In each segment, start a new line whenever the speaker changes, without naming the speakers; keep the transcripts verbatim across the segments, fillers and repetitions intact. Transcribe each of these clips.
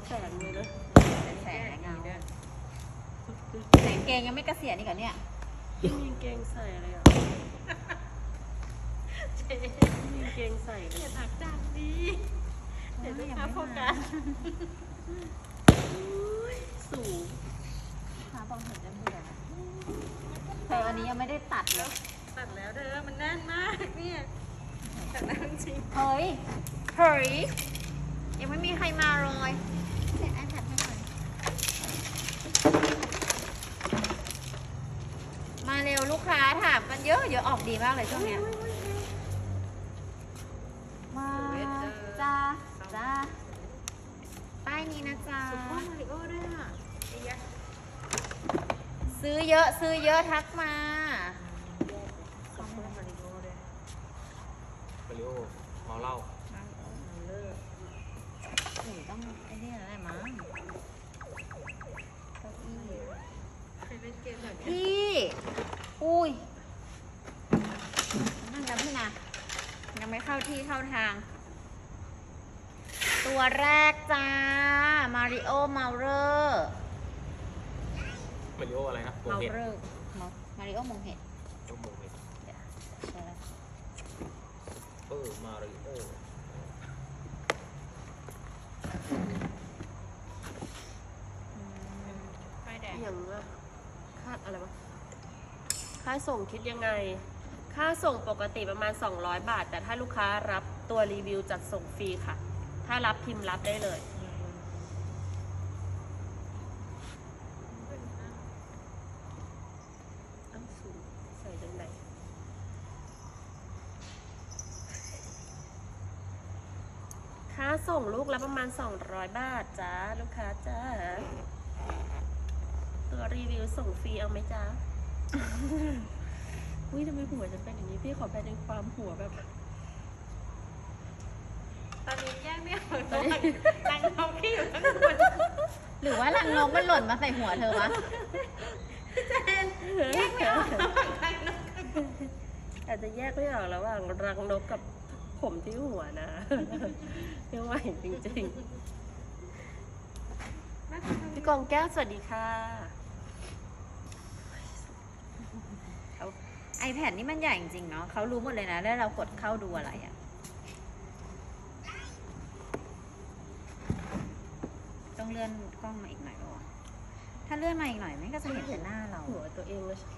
แสงเลยนะ
เป็นแสงและเงาแสงเกงยังไม่เกษียณอีกเหรอเนี่ย
ไม่มีเกงใส่เลยอ่ะไม่มีเกงใส่เลยถักจังดีเดี๋ยวจะโฟกัสสูง
ขาบอกเห็นจะเบื่อเธออันนี้ยังไม่ได้ตัดเลย
ตัดแล้วเธอมันแน่นมากเนี่ยตัดแล้วจริง
เฮ้ยเฮ้ยยังไม่มีใครมาเลยเสร็จไอแพดให้หน่อยมาเร็วลูกค้าถามกันเยอะเยอะออกดีมากเลยช่วงเนี้ยมาจ้าจ้าป้ายนี้นะจ๊ะ
มาริโอด้วยอ่ะ
ซื้อเยอะซื้อเยอะทักมา
ซัมเมอร์มาริโอด้วย
มาริโอเมาเหล้า
เลิก
หนูต้องไอ้นี่อะไรมั้งเก้าอี้
เคยเล่นเกมแบบนี้
พี่อุ้ยนั่งแล้วพี่นะยังไม่เข้าที่เข้าทางตัวแรกจ้ามาริโอเมาเรอร์
มาริโออะไรนะ
เมาเรอร์มาริโอมงเห็ด
โอ้โหเห็ด
ใช่แล้ว
เออมาริโอ
ป้ายแดงอย่างว่าค่าอะไรวะค่าส่งคิดยังไงค่าส่งปกติประมาณสองร้อยบาทแต่ถ้าลูกค้ารับตัวรีวิวจัดส่งฟรีค่ะถ้ารับพิมพ์รับได้เลยใส่จังไหนค่าส่งลูกละประมาณสองร้อยบาทจ้าลูกค้าจ้าตัวรีวิวส่งฟรีเอาไหมจ้าอุ้ยทำไมหัวฉันเป็นอย่างนี้พี่ขอแปลเป็นความหัวแบบตอนนี้แยกไม่ออกตัวรังนกที่อยู่ข้างบน
หรือว่ารังนกมันหล่นมาใส่หัวเธอวะ
เจนแยกไม่ออกระหว่างรังนกอาจจะแยกไม่ออกระหว่างรังนกกับผมที่หัวนะไม่ไหวจริงๆพี่กองแก้วสวัสดีค่ะ
ไอแพดนี่มันใหญ่จริงๆเนาะเขารู้หมดเลยนะแล้วเรากดเข้าดูอะไรอะต้องเลื่อนกล้องมาอีกหน่อยป่ะถ้าเลื่อนมาอีกหน่อยมันก็จะเห็นแต่หน้าเรา
หัวตัวเองเลย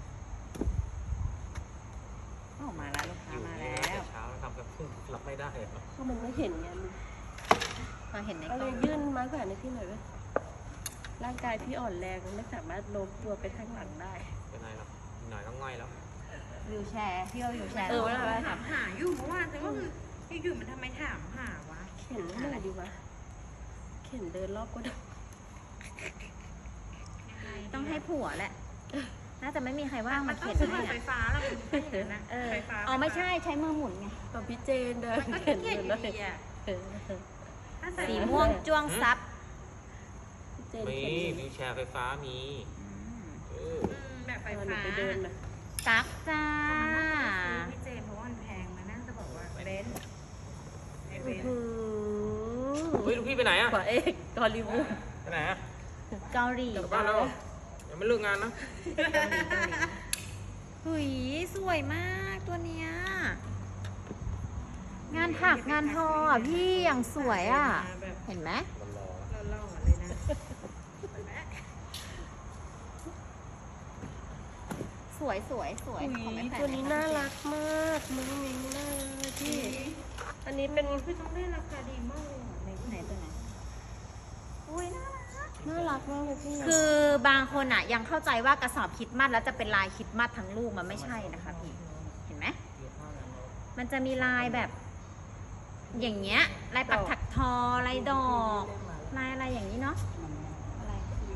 ออกมาแล้วลูกค้ามาแล้ว
เช้าทำแบบรับไม่ได้
ก็มันไม่เห็นไง
พอเห็นในกล้
องยื่นมาก่อนให้พี่หน่อยไหมร่างกายพี่อ่อนแรงไม่สามารถโน้มตัวไปข้างหลังได้
เป็นไรหรอกหน่อยก็ง่อยแล้ว
วิวแชร์พี่เอาวิวแชร์
เออเวลา
ถามหาอยู่เมื่อวานแต่ว่าไอ้อยู่มันทำไมถามหาวะ
เข็นอะไรดีวะเข็นเดินรอบก็ได้
ต้องให้ผัวแหละน่าจะไม่มีใครว่างมาเข็น
ให้ไฟฟ้าแล้วมันนะไฟฟ้า
อ๋อไม่ใช่ใช้มือหมุนไง
ตอนพี่เจนเดินเข็นเดินเลย
สีม่วงจ้วงซับ
มีวิวแชร์ไฟฟ้ามี
แบบไฟฟ้า
ไปเดินนะ
ตักจ้า
พี่เจนเพราะว่ามันแพงมานั่งจะบอกว่าเบนไอเบน
เฮ้ยลูกพี่ไปไหนอะ
กว่าเอกกอลิวูด
ไปไหนอะ
เกาหลี
กลับบ้านแล้วยังไม่เลิกงานนะ
หุยสวยมากตัวเนี้ยงานถักงานทอพี่อย่างสวยอ่ะเห็นไหม
หล่อๆเลยนะ
สวยสวยสวย
ตัวนี้น่ารักมากมุ้งมิ้งมากเลยพี่อันนี้เป็น
คือต้องได้ราคาดีมากเลย
ไหนไหนตัวไหนอุ้ยน่ารัก
น่ารักมากเลยพี่
คือบางคนอ่ะยังเข้าใจว่ากระสอบคิดมัดแล้วจะเป็นลายคิดมัดทั้งลูกมันไม่ใช่นะคะพี่เห็นไหมมันจะมีลายแบบอย่างเงี้ยลายปักถักทอลายดอกลายอะไรอย่างนี้เนาะอะไร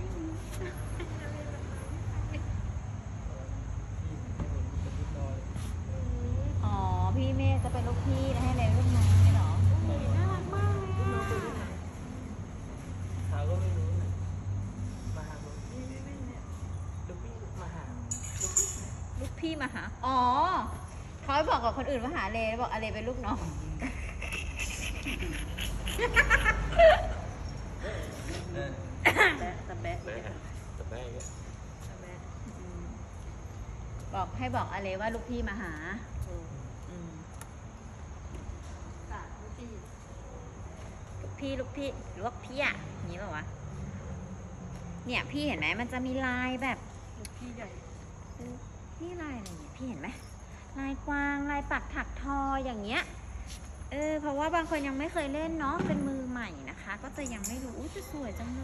อ๋อพี่เมย์จะเป็นลูกพี่แล้วให้เลยลูกน้องไม่หรอ
น่ารักมากเลย
เขาก็ไม่รู้มาหาลูกพี่ลูกพี่มาหา
ลูกพี่มาหาอ๋อเขาบอกกับคนอื่นว่าหาเลบอกอะไรเป็นลูกน้องให้บอกอะไรว่าลูกพี่มาหา
อืม
อืม
สามลูกพี่
ลูกพี่ลูกพี่ลวกพี่อ่ะอย่างนี้เปล่าวะ เนี่ยพี่เห็นไหมมันจะมีลายแบบ
ลูกพี่ใหญ่
นี่ลายอะไรเนี่ยพี่เห็นไหมลายกวางลายปักถักทออย่างเงี้ย เออเพราะว่าบางคนยังไม่เคยเล่นเนาะเป็นมือใหม่นะคะ ก็จะยังไม่รู้อุ๊ยจะสวยจังเลย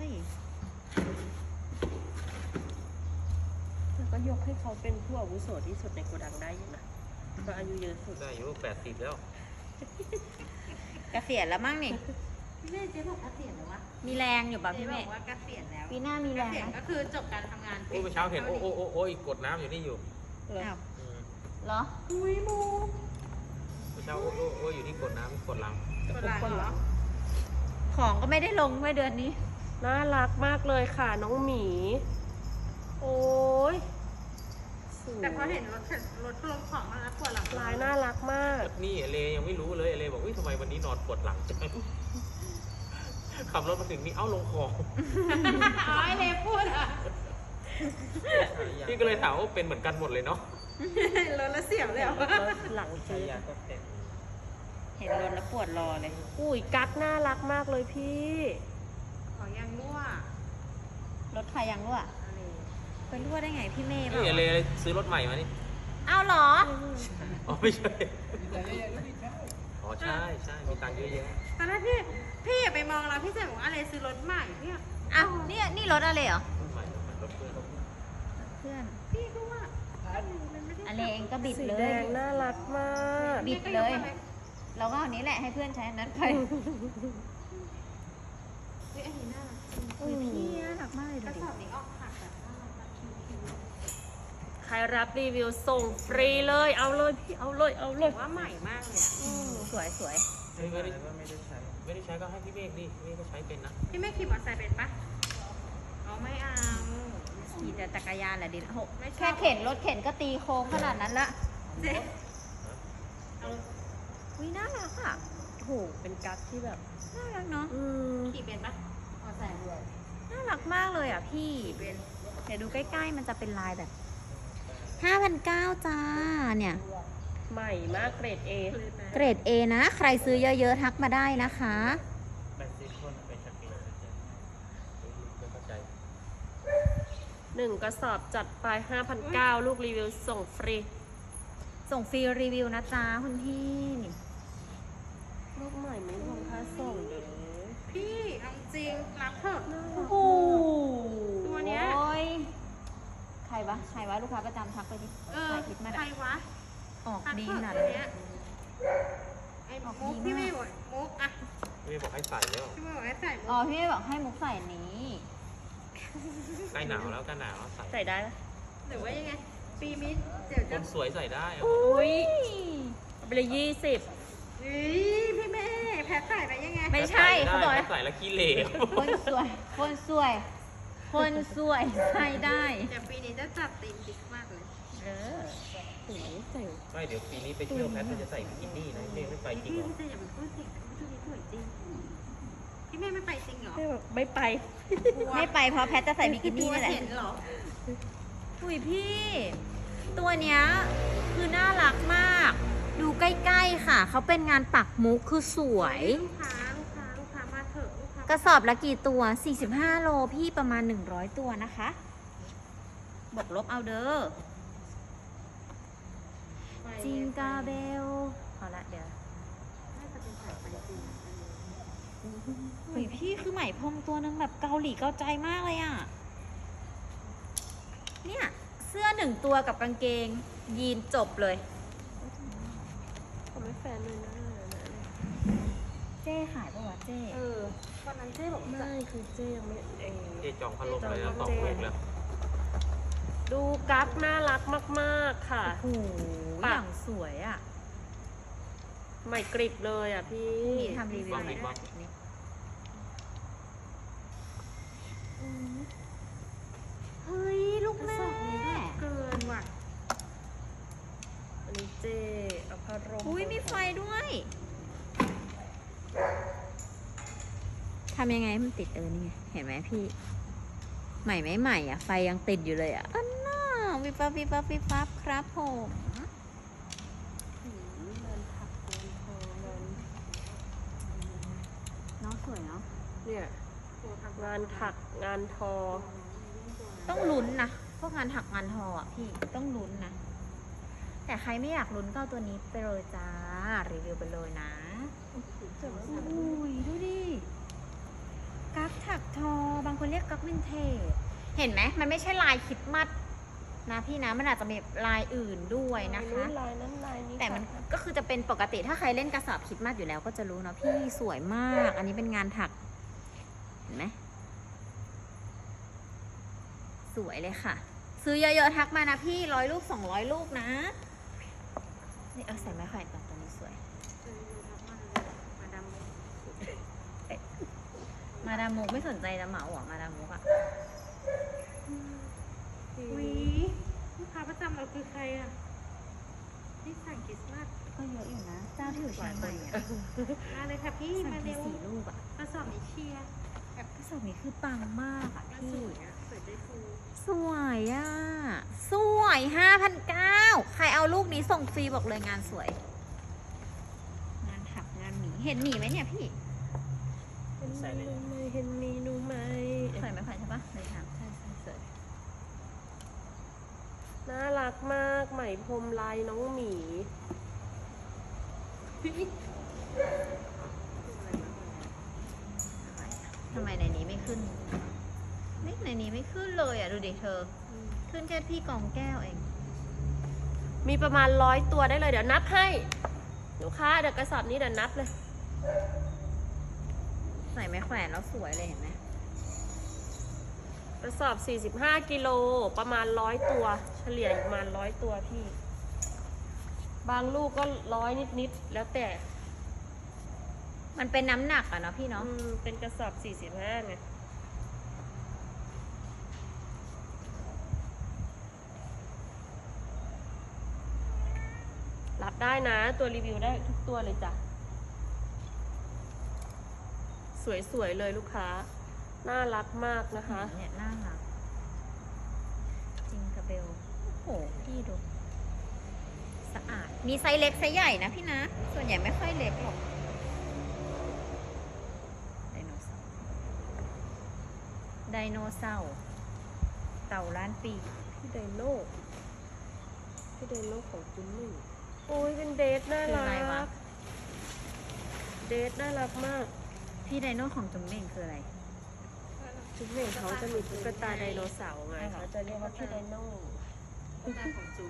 แล้วก็ยกให้เขาเป็นผู้อาวุโสที่สุดในโกดังได้อยู่นะก็อายุเยอะสุด
ได้อายุแปดสิบแล้ว
เกษียณแล้วมั้งนี่
พี่เมย์เจ๊บอกเกษียณแล้ววะ
มีแรงอยู่ป่ะ
เจ๊
พี่
บ
เม
อก
ย์
ว่าเกษียณแล้ว
ปีหน้ามี
เก
แรง
ษียณ
ไหม
ก็คือจบการทำงาน
โอ้เมื่อเช้าเห็นโอ้โอ้โอ้โอ้อีกกดน้ำอยู่นี่อยู่
อ้าว
อืม
เหรอ
อุ้ยมู
เมื่อเช้าโอ้โอ้โอ้อยู่ที่กดน้ำกดลัง
คนละเหรอ
ของก็ไม่ได้ลงเมื่อเดือนนี้
น่ารักมากเลยค่ะน้องหมี โอ้ยสวย
แต่พอเห็นรถเข็นรถลงของมาแล้วปวดหลัง
ลายน่ารักมาก
นี่เอเลยังไม่รู้เลยเอเลบอกวิทำไมวันนี้นอนปวดหลังจังขับรถมาถึงนี่เอ้าลงของ
อ๋อไอเลพูดอ่ะ
พี่ก็เลยถามว่าเป็นเหมือนกันหมดเลยเนาะ
รถแล้วเสียวเลยเหรอ
รถหลังจืด
เห็นรถแล้วปวดรอเลย
อุ้ยกั๊กน่ารักมากเลยพี่
ขอยังรั่ว
รถใครยังรั่ว
อะไร
ไปรั่วได้ไงพี่เมย์
นี่เอเลซื้อรถใหม่มานี่
เอาเหรอ
อ๋อไม่ใช่อ๋อใช่ใช่มีตังค์เยอะแยะ
ตอนแรกพี่พี่อย่าไปมองเราพี่เจ๊บอกว่าอะไรซื้อรถใหม่พี่อะ
อ่ะนี่นี่รถอะไรเหรอ
รถใหม่รถใหม่รถเพื่อน
เพื่อน
พี่ก็ว่ามันไม่ได้
อะไรเองก็บิด
สี
เล
แด
ย
งน่ารักมาก
บิดเลย เราก็เอานี้แหละให้เพื่อนใช้อันนั้นไป
เฮ้ยอันนี้น่ารักจริง
อุ้ยพี่น่ารักมากเลย
ก
ดู
ระ
ดิ
สอบนี้ออกหักแบบน่ารักแบบคิ้ว
ใครรับรีวิวส่งฟรีเลย เอาเลยพี่ เอาเลย เอาเล
ๆ
ย
แต่ว่าใหม่มากเลยอะ
สวยสวย
ไม่ได้ไม่ได้ใช้ไม่ได้ใช้ก็ให้พี่เมฆดิพี่เมฆก็ใช้เป็นนะ
พี่ไม่ขี่มอเตอร์ไซค์เป็นปะเอาไม่เอา
ขี่แต่จักรยานแหละดิโห
ไม่ชอบ
แค่เข็นรถเข็นก็ตีโค้งขนาดนั้นละ
เจ๊เอา
วิน่ารักอ่ะ
โห เป็นกั๊กที่แบบ
น่ารักเนาะ
อืม
ขี่เป็นปะมอเตอร์ไซค์ด้วย
น่ารักมากเลยอ่ะพี่
ขี่เป็น
เดี๋ยวดูใกล้ๆมันจะเป็นลายแบบห้าพันเก้าจ้าเนี่ย
ใหม่มากเกรด A
เกรด A นะ ใครซื้อเยอะๆทักมาได้นะคะ
แปดสิบคนไปชักเองไม่เข้าใจ
หนึ่งกระสอบจัดไปห้าพันเก้าร้อยลูกรีวิวส่งฟรี
ส่งฟรีรีวิวนะจ๊ะคุณพี่
ลูกใหม่ไม่รวมค่าส่งเด้อ
พี่เอาจริงรักเถอะ
โอ้โห
ตัวเนี้ย
โอ้ยใครวะ ใครวะ ลูกค้าประจำทักไปดิ
เออ
ถ่ายคลิปมา
ใคร
อะ
วะ
ออก
รัก
ดี
เถ
ข
อะ
นาด
ตัว
นี้
เนี้ยไอ้
ออก
มุก
ดีมาก
พี่ไม่บอกมุกอะ
พี่เมฆบอกให้ใส่แล้ว
พี่ไม่บอกให้ใส่มุ
อ๋อก พี่ไม่บอกให้มุกใส่อันนี้
ใกล้หนาวแล้วใกล้หนาวใส่
ใส่ได้ปะ
หรือว่ายังไง ปีมิดเดี๋ยว
ค
จะ
นสวยใส่ได้อะ
อุ้ยเอาไปเลยยี่สิบ
เฮ้ยพี่แม่แพ้ใส่ไปยังไง
ไม่ใช่เขาบอก
ได้
ให้
ใส่แล้วขี้เหร่
คนสวย คนสวย คนสวยใส่ได้
เดี๋ยวปีนี้จะจัดตีมดิกมากเลย
เออ
สวยแต่ง
ไม่เดี๋ยวปีนี้ไปเที่ยวแพทจะใส่บิกินี่นะพี่เมฆไม่ไปจริง
พี่
เหรอ
พี่จะอย่าไปพูดสิชุดนี้สวยจริง พี่แม่ไม่ไปจริงเหรอ
ไม่แบบไม่ไป
ไม่ไปเพราะแพทจะใส่บิกินี่นี่แหละ
เห็นเหรอ
อุ้ยพี่ ตัวเนี้ยคือน่ารักมาก ดูใกล้ๆค่ะ เขาเป็นงานปักมุกคือสวย
ลูกค้าลูกค้าลูกค้ามาเถอะลูกค้าก
ระสอบละกี่ตัว สี่สิบห้าโลพี่ประมาณหนึ่งร้อยตัวนะคะบวกลบเอาเด้อ จิงกาเบลพอละเดี๋ยว
น่าจะเป็นสายไปจริง
อุ้ยพี่คือไหมพรมตัวนึงแบบเกาหลีเกาใจมากเลยอ่ะ เนี่ย เสื้อหนึ่งตัวกับกางเกง ยีนจบเลย
เขาไม่แฟนเลยนะ
เจ้ขายปะวะเจ้
เออ
วันนั้นเจ๊บอกจะ
ไม่คือเจ๊ยังไม่เอ
เจจองพัดลมเลยนะสองลูกแล้ว
ดูกั๊กน่ารักมากๆค่ะ
โอ้โห
ปะ
อย่างสวยอ่ะ
ใหม่กริบเลยอ่ะพี่
นี่ทำรีวิวหน่อย
บ้าง
นี่เฮ้ย ลูก
กระ
แม่
สอบนี้แบบเกินว่ะ
อันนี้เจ๊เอาผ้าร่ม
อุ้ยมีไฟด้วย ทำยังไงให้มันติดเออนี่ไง เห็นไหมพี่ ใหม่ไหมใหม่อ่ะ ไฟยังติดอยู่เลยอ่ะ อันน่าวิบวับวิบวับวิบวับครับผม
อืมงานถักงานทองาน
น้องสวยเนาะ
เนี่ยงานถักงานทอ
ต้องลุ้นนะพวกงานถักงานทออ่ะพี่ต้องลุ้นนะ แต่ใครไม่อยากลุ้นก็เอาตัวนี้ไปเลยจ้ารีวิวไปเลยนะอุ้ยดูดิกั๊กถักทอบางคนเรียกกั๊กวินเทจเห็นไหมมันไม่ใช่ลายคริดมัดนะพี่นะมันอาจจะมีลายอื่นด้วยนะคะ
ลายนั้นลายนี้
แต่มันก็คือจะเป็นปกติถ้าใครเล่นกระสอบคริดมัดอยู่แล้วก็จะรู้เนาะพี่สวยมาก อันนี้เป็นงานถักเห็นไหมสวยเลยค่ะ ซื้อเยอะๆทักมานะพี่ร้อยลูกสองร้อยลูกนะนี่เอาใส่ไม้แขวนก่อนตัวนี้สวย
มาดาม
มาดามมุกไม่สนใจจะเหมาหรอมาดามมุกอะ
วีลูกค้าประจำเราคือใครอ่ะที่สั่งคริสต์มาส
ก็เยอะอยู่นะ เจ้าที่อยู่เชียงใหม่อะ
มาเลยค่ะพี่
สั่
มาง
ที
เร็ว
สี่ลูกอะ
กระสอบนี้เชียร์
กระสอบนี้คือปังมากอะ
ว่า
พี่
สวยอ่ะสวยได้ฟู
สวยอะสวยห้าพันเก้าใครเอาลูกนี้ส่งฟรีบอกเลยงานสวย งานถักงานหมีเห็นหมีไหมเนี่ยพี่
ใส่เลย
ไม่เห็นมีหนูไหม
สวยไหมขวัญใช่ปะเลยถามใช่ใช่สวย
น่ารักมากไหมพรมลายน้องหมี
ทำไมในนี้ไม่ขึ้นนี่ในนี้ไม่ขึ้นเลยอ่ะ ดูดิเธอ ขึ้นแค่พี่กองแก้วเอง
มีประมาณร้อยตัวได้เลยเดี๋ยวนับให้ลูกค้าเดี๋ยวกระสอบนี้เดี๋ยวนับเลย
ใส่ไม้แขวนแล้วสวยเลยเห็นไหม
กระสอบ สี่สิบห้า กิโล ประมาณร้อยตัว เฉลี่ยอยู่ประมาณร้อยตัวพี่ บางลูกก็ร้อยนิดๆ แล้วแต่
มันเป็นน้ำหนักอะเนาะพี่เนาะ
อืมเป็นกระสอบ สี่สิบห้า ไง รับได้นะ ตัวรีวิวได้ทุกตัวเลยจ้ะ สวยๆเลยลูกค้า น่ารักมากนะคะ
เนี่ยน่ารักจิงกระเบล โอ้โห พี่ดู สะอาด มีไซส์เล็กไซส์ใหญ่นะพี่นะ ส่วนใหญ่ไม่ค่อยเล็กหรอก ไดโนเสาร์ ไดโนเสาร์เต่าล้านปี
พี่ไดโน่พี่ไดโน่ของจุนหนึ่งโอ้ยเป็นเดทน่า
คืออะไร
รั
วะ
ก เดทน่ารักมาก
พี่ไดโนของจุ๋มเม่งคืออะไร
จุนหนึ่งเขาจะมีตุ๊กตาไดโนเสาร์ไง
ใช่เหรอ
เขาจะเรียกว่าพี่ไดโน่
ตุ๊กตาของจุ้ม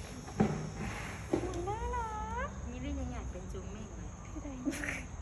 น่ารัก
นี่เรื่องยังอยากเป็นจุ้มเม่งเลย
พี่ไดโน่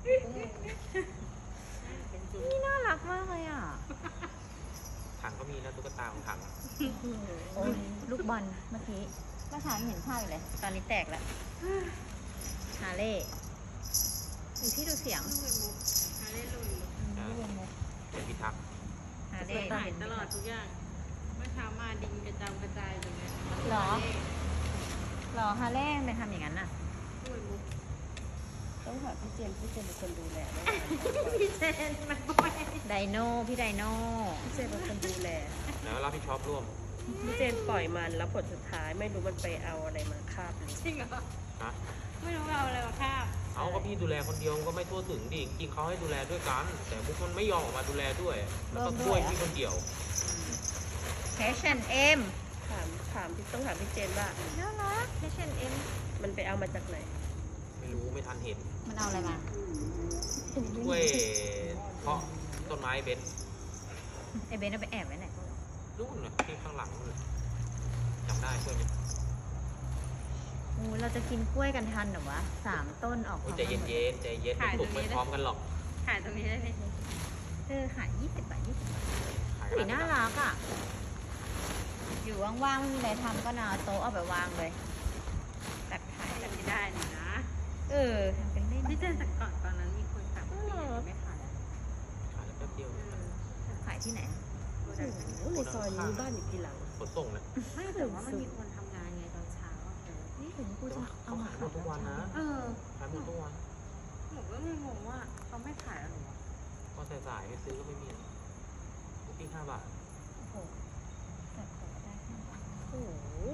เป็นจุ้ม
นี่น่ารักมากเลยอ่ะ
ถังก็มีนะตุ๊กตาของถัง
โอ้ยลูกบอลเมื่อกี้เมื่อเช้ายังเห็นภาพอยู่เลย ตอนนี้แตกแล้ว ฮาเล่ดูที่ดูเสียง
ลูกเป็นมุกฮาเล่ลุย
เป็นพิทักษ์
ฮาเล่
ถ่ายตลอดทุกอย่าง เมื่อเช้ามาดินกระจายกระจายตรงนี้
หรอหรอฮาเล่ไปทำอย่างนั้นน่ะ
ลูกเป็นมุก
ต้องหาพี่เจมส์พี่เจมส์เป็นคนดูแลนะ
พี่เจนมันบ่อย
ไดโน่พี่ไดโน่
พี่เจมส์เป็นคนดูแล
แล้วรับผิดชอบร่วม
พี่เจมส์ปล่อยมันแล้วผลสุดท้ายไม่รู้มันไปเอาอะไรมาคาบเลย
จริงเหรอ
ฮะ
ไม่รู้เอาอะไรมาคาบ
เอาก็พี่ดูแลคนเดียวมันก็ไม่ทั่วถึงดิ จริงๆเขาให้ดูแลด้วยกัน แต่พวกมันไม่ยอมออกมาดูแลด้วย แล้วก็ช่วยพี่คนเดียว
แคชแอนเอ็ม
ถามถามพี่ต้องถามพี่เจมส์ว่า
น่ารักแคชแอนเอ็ม
มันไปเอามาจากไหน
ไม่รู้ไม่ทันเห็น
มันเอาอะไรมา
ช่วยเพาะต้นไม้เบนซ์
ไอเบนเอาไปแอบไว้ไหน
นู่นน่ะที่ข้างหลังนู่นน่ะจำได้ช่วยไหม
โอ้เราจะกินกล้วยกันทันเหรอวะสามต้นออก
โอ้ยใจเย็นๆใจเย็นไม่ปลุกไม่พร้อมกันหรอก
ถ่ายตรงนี้ได้ไหม
เออขายยี่สิบบาทยี่สิบบาท
ขาย
สี
กั
น่ารักอ่ะ อยู่ว่างๆไม่มีอะไรทำก็นาเอาโต๊ะเอาไปวางเลยตักขาย
แบบนี้ได้นี่นะ
เออทำเป็นเล่น
พี่เจนแต่ก่อนตอนนั้นมีคนสั่งปีไม่ขายแล้ว
ขายแล้วแป๊บเดียว
ขายที่ไหน
โอ้โหในซอยนี้บ้านอยู่ทีหลัง
ขนส่งนะ
ไม่แต่ว่ามันมีคนทำงานไงตอนเช้าอะเธอ
นี่ถึงกู
แต่
จะ
ว่า
เอา
เขา
มา
ขายหมดทุกวันนะ
เออ
ขายหมดทุกวัน
หนูก็เลยงงว่าเขาไม่ขายแล้วหรอ
ก็สายๆไปซื้อก็ไม่มีพี่ห้าบาท
โอ้โหจับของได้ข้างหลัง
โอ้โห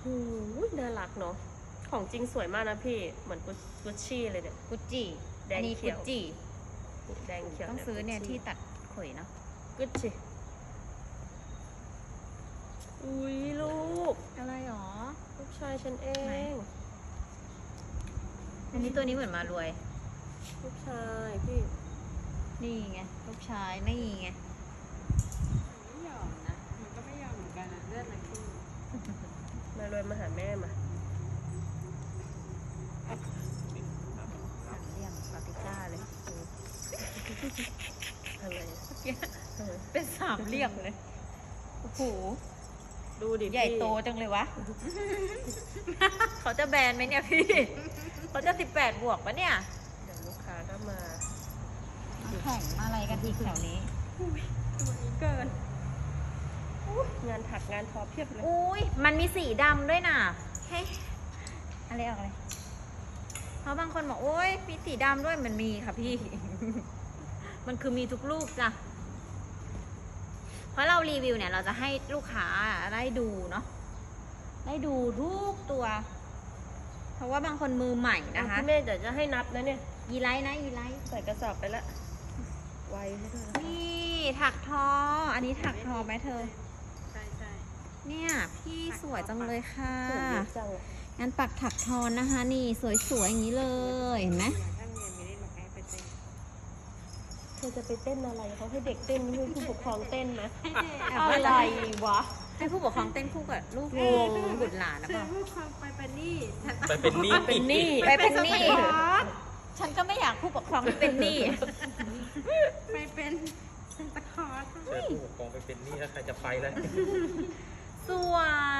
น่ารักเนาะของจริงสวยมากนะพี่เหมือนกุชชี่เลยเนี่ย
กุจจิ
แดง
อันนี้
เขี
กุ
ยว
จจิ
แดงเขียว
ต้องซื้อเนี่ยที่ตัดขนเนาะ
กุชชี่อุ้ยลูก
อะไรหรอ
ลูกชายฉันเอ
ไหน
ง
อันนี้ตัวนี้เหมือนมารวย
ลูกชายพี่
นี่ไงลูกชายนี่ไง
ไม่ยอมนะ มันก็ไม่ยอมเหมือนกันนะเลือดมันขึ้น
มารวยมาหาแม่มา
สามเหลี่ยมปาปริก้าเลย
อะไรอะเออ
เป็นสามเหลี่ยมเลย โอ้โห
ดูดิ
ใหญ่
พี่
โตจังเลยวะ เขาจะแบนไหมเนี่ยพี่ เขาจะสิบแปดบวกปะเนี่ย
เดี๋ยวลูกค้าก็มา
แข่งมาอะไรกันอีกแถวนี้
ตัวนี้เกินอุ๊ยงานถักงานทอเพียบเลย
อุ้ยมันมีสีดำด้วยน่ะเฮ้ยอะไรออกเลยเพราะบางคนบอกโอ้ยมีสีดำด้วยมันมีค่ะพี่ มันคือมีทุกรูปจ้ะ เพราะเรารีวิวเนี่ยเราจะให้ลูกค้าได้ดูเนาะ ได้ดูทุกตัว เพราะว่าบางคนมือใหม่นะคะ
พี่เมย์เดี๋ยวจะให้นับนะเนี่ย
ยีไลท์นะยีไลท์
ใส่กระสอบไปละไวให้ด้วยนะ
นี่ถักทอ อันนี้ถักทอไหมเธอ
ใช่ใช่
เนี่ยพี่สวยจังเลยค่ะ
สวยเยอะจังอะ
งานปักถักทอนะคะ นี่สวยๆอย่างนี้เลยเห็นไหม
ถ้าเรียนไม่ได้บอกให้ไปเต้น
เธอจะไปเต้นอะไรเขาให้เด็กเต้นให้ผู้ปกครองเต้นไหม
ให้เด็ก
อะไรวะ
ให้ผู้ปกครองเต้นคู่กับลูก
งง
บุตรหลานนะ
เธ
เป
อ
ล่า
พูดความไปเป็นหนี้ฉัน
ไปเป็นหนี้
เป็นหนี้
ไปเป็นหนี้
สปอร์ต
ฉันก็ไม่อยากผู้ปกครองที่เป็นหนี้
ไปเป็นเซนตาคลอร์ส
เชิญผู้ปกครองไปเป็นหนี้แล้วใครจะไปแล้ว
สวย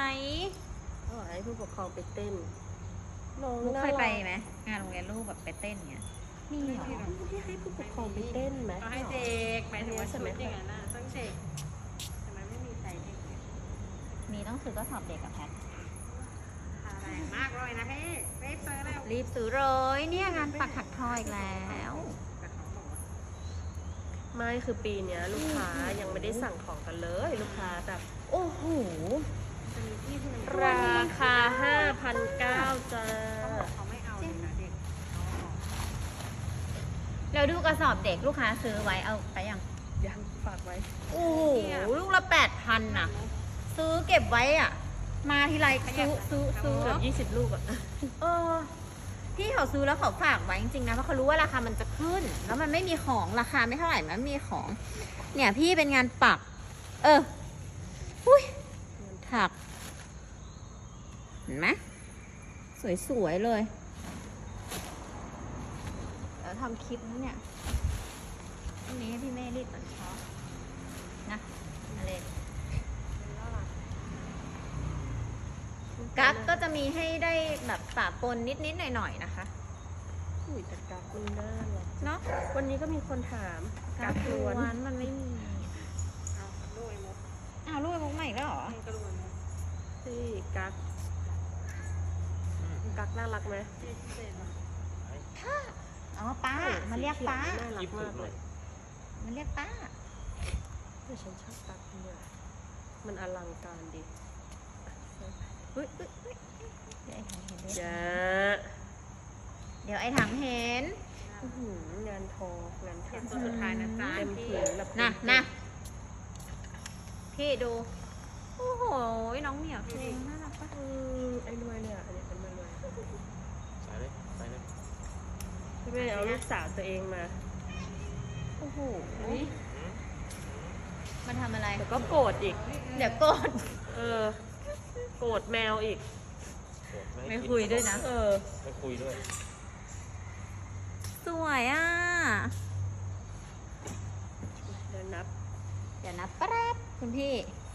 เขาบอกให้ผู้ปกครองไปเต้นน้อง
ลูก
น่า
เคยไป
รัก
ไหมงานโรงเรียนลูกแบบไปเต้นเงี้ยนี่เหรอ
ให้ผู้ปกครองไปเต้นไหม
เอาให้เด็กหมายถึงว่าชุดอย่างนั้นน่ะต้องเด็กทำไมไม่มีใจเด็กเนี่ย
มีต้องซื้อก็สอบเด็กกับแพท
ขาแรงมากเลยนะพี่ไม่เปิดแล้ว
รีบซื้อเลยเนี่ยงานปักถักทออีกแล้ว
แต่เขาบอกว่า
ไม่คือปีเนี้ยลูกค้ายังไม่ได้สั่งของกันเลย ลูกค้าแบบ
โอ้โห
จะมีที่ที่มัน
ราคา ห้าพันเก้าร้อย จ้า
เขาบอกเขาไม่เอาเลยนะเด็กเขาบอก
แล้วดูกระสอบเด็กลูกค้าซื้อไว้เอาไปยัง
ยังฝากไว้
โอ้โหลูกละแปดพันน่ะ ซื้อเก็บไว้อ่ะ มาทีไรซื้อซื้อซื้อ
เกือบยี่สิบลูกอะ
เออพี่เขาซื้อแล้วเขาฝากไว้จริงๆนะเพราะเขารู้ว่าราคามันจะขึ้น แล้วมันไม่มีของราคาไม่เท่าไหร่มันมีของ เนี่ยพี่เป็นงานปัก เอออุ้ยถัก เห็นไหมสวยๆเลยเดี๋ยวทำคลิปนะเนี่ยพรุ่งนี้ให้พี่เมย์รีดตอนเช้านะอะไรกั๊กก็จะมีให้ได้แบบปะปนนิดๆหน่อยๆนะคะ
อุ้ยแต่กราฟมันน่ารัก
เนาะ
วันนี้ก็มีคนถามกราฟล้วน
วันมันไม่มี
เอาด้วยมุก
อ้าวลูกมุกใหม่แล้วเหรอ
มันก็ด้วยมุก
ที่กักกักน่ารักไหม
ที่พิเศษว่ะ
อ๋อป้ามันเรียกป้า
น่ารั
ยิ
ก
บสุ
มา
ด
ก
เล
เลย ย
มันเรียกป้า
แต่ฉันชอบกักเนี่ยมันอลังการดี
เฮ้ยเฮ้ยเฮ้ยเดี๋ยวไอ้ถังเห็นด้วย
จ้า
เดี๋ยวไอ้ถังเห็น
อื้อหืองานทองาน
เตรีย
ถั
ม
ก
ตัวสุดท้ายนะจ๊ะ
เต็ม
พี่
ผืนแบบ
นะนะพี่ดู โอ้โห น้องเหมียวเพลงน่ารักปะ
อืมไอ้รวยเนี่ยอันนี้เป็นมารวย
ใส่เลยใส่เลย
พี่เมย์เอาลูกสาวตัวเองมา
โอ้โห
อืม
มันทำอะไร
แล้วก็โกรธอีก
เดี๋ยวก่อน
เออ โกรธแมวอีก
โกรธให้
ไม่
กิน
คุยด้วยนะ
เออ
ไม่คุยด้วย
สวยอ่ะ
เดี๋ยวนับ
เดี๋ยวนะแป๊บคุณพี่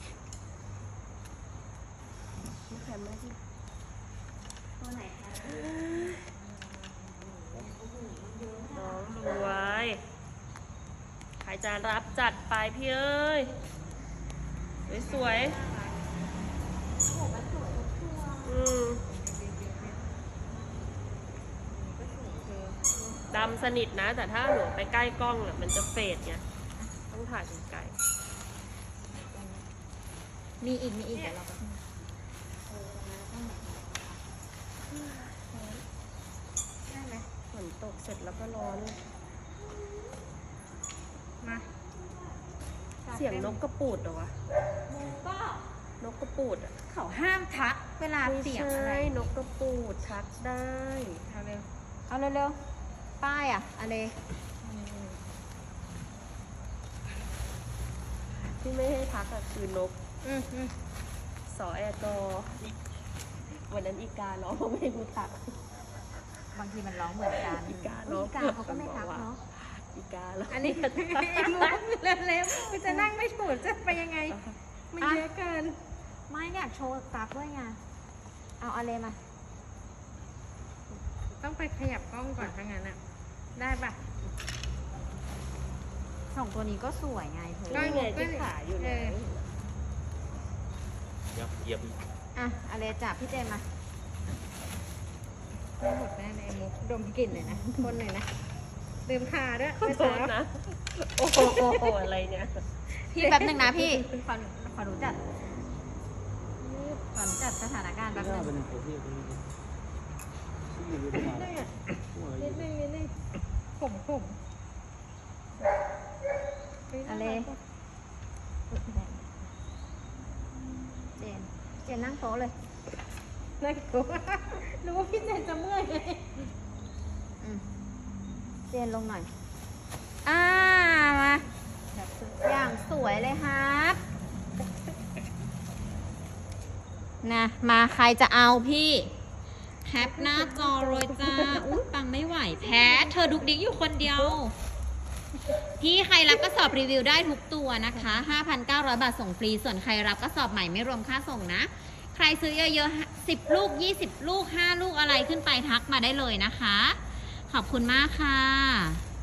ไม่แคมไม่ที่
ตัวไหนคะ
น้องรวยใครจะรับจัดไปพี่เอ้ย สวยๆอืมดำสนิทนะ แต่ถ้าหนูไปใกล้กล้องอ่ะมันจะเฟดไงต้องถ่ายไกล
มีอีก มีอีก เดี๋ยวเราไป
ได้ไหม
ฝนตกเสร็จแล้วก็ร้อนเลย
มา
เสียงนกกระปูดเหรอวะ
ก็
นกกระปูดอ่ะ
เขาห้ามทักเวลา
ไม่
เสียง
ใช่
อะไร
นกกระปูดทักได้
เอาเร็ว
เอาเร็วๆ ป้ายอ่ะอะไร
ที่ไม่ให้ทักอะคือนก
อืมอืม
สอแอร์กอวันนั้นอีการ้องไม่รู้ทัก
บางทีมันร้องเหมือนกัน
อีกา
อุ๊ยอีกา
เนอะ
เขาก็ไม่ทักเนาะ
อีการ้อง
อันนี้มุกเร็วๆมันจะนั่งไม่ถูกจะไปยังไง มันเยอะเกิน
ไม่อยากโชว์ตับด้วยไง เอาอะไรมา
ต้องไปขยับกล้องก่อนถ้างั้นอ่ะ ได้ปะ
สองตัวนี้ก็สวยไงเธอ
ก็
นี่ไงที่ขาอยู่ไหน
ยับเหยียบอีก
อ่ะอะไรจับพี่เจนมา
ไม่หมดแน่ในมุกดมกลิ่นเลยนะคนเลยนะลืมทาด้วย
ขอโทษนะ โอ้โหอะไรเนี่ย
พี่แป๊บหนึ่งนะพี่ ขอขอหนูจัดขอหนูจัดสถานการณ์แป๊บหนึ่ง
นิดนึงอ่ะนิดนึงนิดนึงผมผม
อะไร เจน เจนนั่งโต๊ะเลย
น่ากลัวรู้ว่าพี่เจนจะเมื่อยไง
อืมเจนลงหน่อย อ่า มา อย่างสวยเลยครับ นะ มาใครจะเอาพี่แคปหน้าจอเลยจ้า อุ้ยปังไม่ไหวแพ้ เธอดุกดิ๊กอยู่คนเดียว พี่ใครรับกระสอบรีวิวได้ทุกตัวนะคะ ห้าพันเก้าร้อย บาทส่งฟรี ส่วนใครรับกระสอบใหม่ไม่รวมค่าส่งนะ ใครซื้อเยอะๆ สิบ ลูก ยี่สิบ ลูก ห้า ลูกอะไรขึ้นไปทักมาได้เลยนะคะ ขอบคุณมากค่ะ